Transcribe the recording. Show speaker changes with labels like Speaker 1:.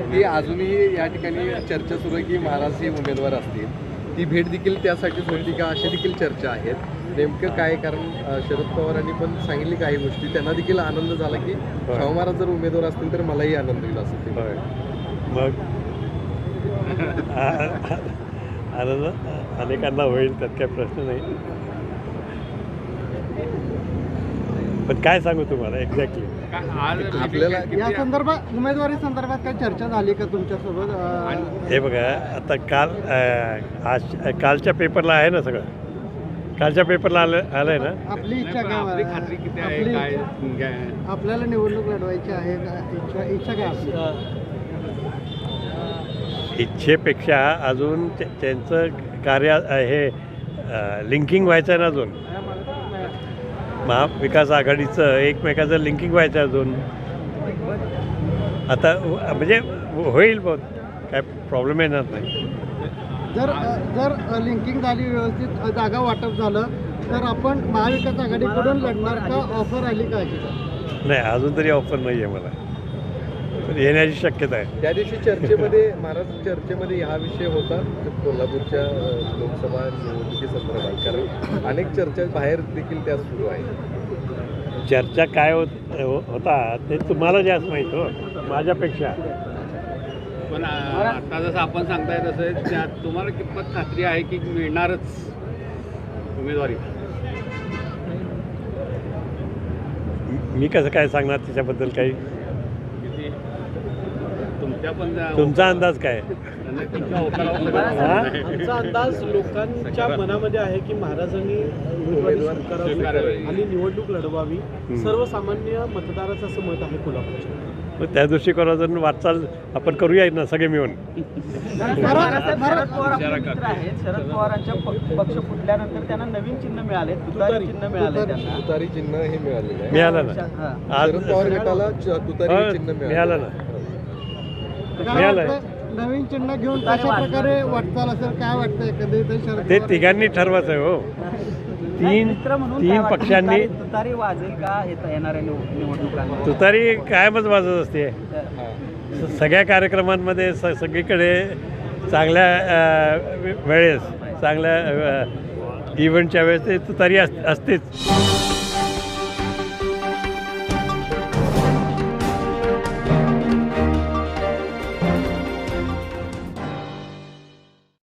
Speaker 1: की अजूनही या ठिकाणी चर्चा सुरू आहे की महाराज हे उमेदवार असतील, ती भेट देखील त्यासाठीच होती का, अशा देखील चर्चा आहेत. नेमकं काय, कारण शरद पवारांनी पण सांगितले काही गोष्टी, त्यांना देखील आनंद झाला की शाहू महाराज जर उमेदवार असतील तर मलाही आनंद होईल असं ते.
Speaker 2: मग आनंद अनेकांना होईल, त्यात काही प्रश्न नाही. पण काय सांगू तुम्हाला एक्झॅक्टली
Speaker 1: आपल्याला
Speaker 3: या संदर्भात, उमेदवारी संदर्भात काही चर्चा झाली का तुमच्यासोबत?
Speaker 2: हे बघा, आता कालच्या पेपरला आहे ना सगळं, कालच्या पेपरला आलंय ना.
Speaker 3: आपली इच्छा काय,
Speaker 4: खात्री किती आहे, काय
Speaker 3: आपल्याला निवडणूक लढवायची आहे का? इच्छा काय आपली?
Speaker 2: इच्छेपेक्षा अजून त्यांचं कार्य हे लिंकिंग व्हायचं आहे ना अजून. महाविकास आघाडीचं एकमेकाचं लिंकिंग व्हायचं अजून. आता म्हणजे होईल बहुत, काय प्रॉब्लेम येणार नाही.
Speaker 3: जर लिंकिंग झाली, व्यवस्थित जागा वाटप झालं तर आपण महाविकास आघाडीकडून लढणार का? ऑफर आली का?
Speaker 2: नाही, अजून तरी ऑफर नाही आहे मला, पण येण्याची शक्यता आहे.
Speaker 1: त्या दिवशी चर्चेमध्ये, महाराज चर्चेमध्ये हा विषय होता कोल्हापूरच्या लोकसभा निवडणुकीसंदर्भात, कारण अनेक चर्चा बाहेर देखील त्या सुरू आहेत.
Speaker 2: चर्चा काय होता ते तुम्हाला जास्त माहीत हो माझ्यापेक्षा.
Speaker 4: पण आता जसं आपण सांगताय तसं तुम्हाला कितपत खात्री आहे की मिळणारच उमेदवारी?
Speaker 2: मी कसं काय सांगणार त्याच्याबद्दल काही? तुमचा अंदाज काय?
Speaker 5: आमचा अंदाज लोकांच्या मनामध्ये आहे की महाराजांनी उमेदवारी स्वीकारावी आणि निवडणूक लढवावी. सर्वसामान्य मतदाराचं असं मत आहे कोल्हापूरच्या.
Speaker 2: मग त्या दृष्टिकोनातून वाटचाल आपण करूया ना सगळे मिळून.
Speaker 6: शरद पवार आपले मित्र आहेत. शरद पवारांच्या पक्ष फुटल्यानंतर त्यांना नवीन चिन्ह मिळाले, तुतारी चिन्ह मिळाले. त्यांना
Speaker 1: तुतारी चिन्ह हे मिळालेलं आहे.
Speaker 2: मिळालं ना आज.
Speaker 1: शरद पवार गटाला तुतारी चिन्ह
Speaker 2: मिळालं ना.
Speaker 3: नवीन चिन्ह घेऊन कशा प्रकारे वाटचाल असेल, काय वाटतं एकंदरीत?
Speaker 2: ते तिघांनी ठरवायचं आहे हो. तीन पक्षांनी.
Speaker 6: तुतारी वाजेल का येणाऱ्या निवडणुकांना?
Speaker 2: तुतारी कायमच वाजत असते सगळ्या कार्यक्रमांमध्ये. सगळीकडे चांगल्या वेळेस, चांगल्या इव्हेंटच्या वेळेस ते तुतारी असतेच.